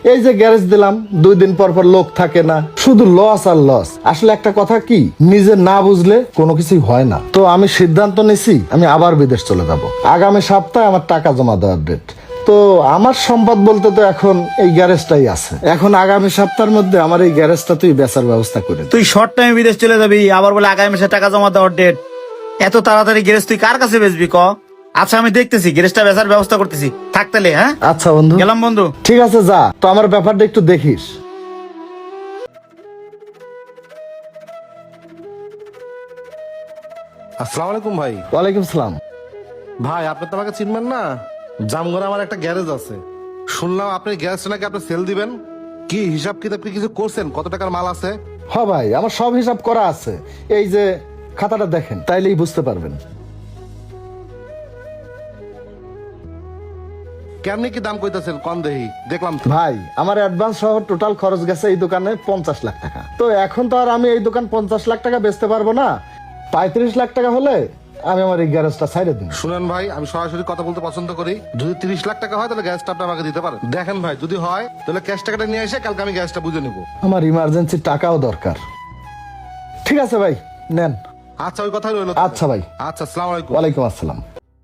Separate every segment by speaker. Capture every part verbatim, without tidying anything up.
Speaker 1: এই যে গ্যারেজ দিলাম, দুই দিন পর পর লোক থাকে না, শুধু লস আর লস। আসলে একটা কথা কি, নিজে না বুঝলে কোনো কিছুই হয় না। তো আমি সিদ্ধান্ত নিছি আমি আবার বিদেশ চলে যাব। আগামী সপ্তাহে আমার টাকা জমা দেওয়ার ডেট। তো আমার সম্পদ বলতে তো এখন এই গ্যারেজটাই আছে। এখন আগামী সপ্তাহের মধ্যে আমার এই গ্যারেজটা তুই বেচার ব্যবস্থা করে দে।
Speaker 2: তুই শর্ট টাইমে বিদেশ চলে যাবি, আবার বলে আগামী মাসে টাকা জমা দেওয়ার ডেট। এত তাড়াতাড়ি গ্যারেজ তুই কার কাছে বেচবি ক? আচ্ছা আমি দেখতেছি, গ্যারেজটা বেচার ব্যবস্থা করতেছি, থাকতেলে। হ্যাঁ
Speaker 1: আচ্ছা বন্ধু,
Speaker 2: গেলাম বন্ধু।
Speaker 1: ঠিক আছে যা, তো আমার ব্যাপারটা একটু দেখিস।
Speaker 3: আসসালামু আলাইকুম ভাই।
Speaker 1: ওয়ালাইকুম সালাম।
Speaker 3: ভাই আপনি তো আমাকে চিনবেন না? জামগড়ে আমার একটা গ্যারেজ আছে, শুনলাম আপনি গ্যারেজটা নাকি আপনি সেল দিবেন। কি হিসাব কিতাব কি কিছু করছেন? কত টাকার মাল আছে?
Speaker 1: হ ভাই, আমার সব হিসাব করা আছে। এই যে খাতাটা দেখেন, তাইলেই বুঝতে পারবেন।
Speaker 3: কেমনি কি দাম কইতাছেন কম দেহি দেখলাম তো।
Speaker 1: ভাই আমার অ্যাডভান্স সহ টোটাল খরচ গেছে এই দোকানে পঞ্চাশ লাখ টাকা। তো এখন তো আর আমি এই দোকান পঞ্চাশ লাখ টাকা বেচতে পারবো না। পঁয়ত্রিশ লাখ টাকা হলে আমি আমার এই গ্যারেজটা ছাইড়ে দিন।
Speaker 3: শুনেন ভাই, আমি সরাসরি কথা বলতে পছন্দ করি। যদি তিরিশ লাখ টাকা হয় তাহলে গ্যাসটা আপনি আমাকে দিতে পারেন। দেখেন ভাই, যদি হয় তাহলে ক্যাশ টাকাটা নিয়ে এসে কালকে আমি গ্যাসটা বুঝে নিবো।
Speaker 1: আমার ইমার্জেন্সি টাকাও দরকার। ঠিক আছে ভাই, নেন।
Speaker 3: আচ্ছা ওই কথাই রইল।
Speaker 1: আচ্ছা ভাই।
Speaker 3: আচ্ছা, আসসালামু আলাইকুম।
Speaker 1: ওয়ালাইকুম আসসালাম।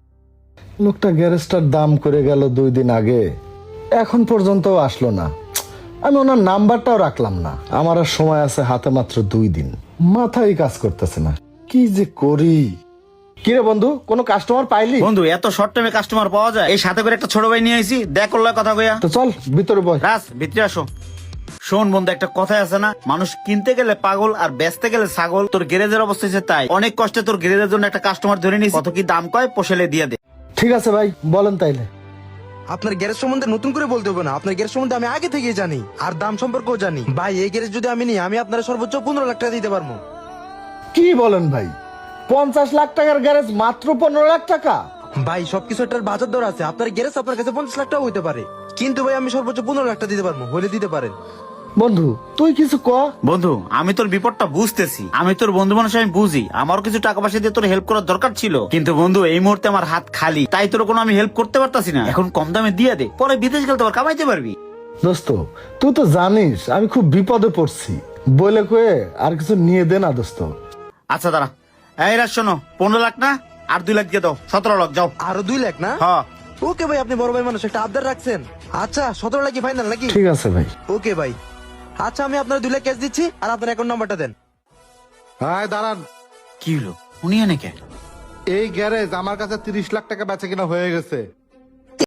Speaker 1: লোকটা গ্যারেজটার দাম করে গেল দুই দিন আগে, এখন পর্যন্ত আসলো না। আমি ওনার নাম্বারটাও রাখলাম না। আমার আর সময় আছে হাতে মাত্র দুই দিন, মাথায় কাজ করতেছে না, কি যে করি। কিরে বন্ধু, কোনো কাস্টমার পাইলি?
Speaker 2: বন্ধু এত শর্ট টাইমে কাস্টমার পাওয়া যায়? এই সাথে করে একটা ছোট ভাই নিয়ে আইছি, দেখ করলে কথা কইয়া।
Speaker 1: তো চল ভিতরে বয়।
Speaker 2: রাজ ভিতরে আসো। শোন বন্ধু, একটা কথাই আছে না, মানুষ কিনতে গেলে পাগল আর বেচতে গেলে ছাগল। তোর গ্যারেজের অবস্থা হচ্ছে তাই। অনেক কষ্টে তোর গ্যারেজের জন্য একটা কাস্টমার ধরে নিস, কত কি দাম কয় পোষেলে দিয়ে দে।
Speaker 1: ঠিক আছে ভাই, বলেন তাইলে।
Speaker 4: আপনার গ্যারেজ সম্বন্ধে নতুন করে বলতে হবে না, আপনার গ্যারেজ সম্বন্ধে আমি আগে থেকেই জানি, আর দাম সম্পর্কেও জানি। ভাই এই গ্যারেজ যদি আমি নিই, আমি আপনার সর্বোচ্চ পনেরো লাখ টাকা দিতে পারবো।
Speaker 1: কি বলেন ভাই, পঞ্চাশ লাখ টাকার গ্যারেজ মাত্র পনেরো লাখ টাকা?
Speaker 4: ভাই সবকিছু একটা বাজার দর আছে, আপনার গ্যারেজ আপনার কাছে পঞ্চাশ লাখ টাকা হইতে পারে, কিন্তু ভাই আমি সর্বোচ্চ পনেরো লাখ টাকা দিতে পারবো, হলে দিতে পারেন।
Speaker 1: বন্ধু তুই কিছু ক।
Speaker 2: বন্ধু আমি তোর বিপদটা বুঝতেছি, আমি তোর বন্ধু মানুষ, আমি বুঝি আমারও কিছু টাকা পয়সা দিয়ে তোর হেল্প করার দরকার ছিল, কিন্তু বন্ধু এই মুহূর্তে আমার হাত খালি, তাই তোর কোনো আমি হেল্প করতে পারতাছি না। এখন কম দামে দিয়ে দে, পরে বিদেশ গেলে তোর কামাইতে পারবি।
Speaker 1: দোস্ত তুই তো জানিস আমি খুব বিপদে পড়ছি, বলে কয়ে আর কিছু নিয়ে দে না দোস্ত।
Speaker 2: আচ্ছা দাঁড়া, এই রাজ শোনো, পনেরো লাখ না আর দুই লাখ দিয়ে দাও, সতেরো লাখ যাও।
Speaker 4: আরো দুই লাখ না?
Speaker 2: হ্যাঁ
Speaker 4: ওকে ভাই, আপনি বড় ভাই মানুষ, একটা আবদার রাখছেন। আচ্ছা সতেরো লাখই ফাইনাল নাকি?
Speaker 1: ঠিক আছে ভাই।
Speaker 4: ওকে ভাই, আচ্ছা আমি আপনার দুই লাখ ক্যাশ দিচ্ছি, আর আপনার অ্যাকাউন্ট নাম্বারটা দেন।
Speaker 3: হ্যাঁ দাঁড়ান,
Speaker 2: কি হলো উনি এনে কে?
Speaker 3: এই গ্যারেজ আমার কাছে তিরিশ লাখ টাকা বেচা কিনা হয়ে গেছে।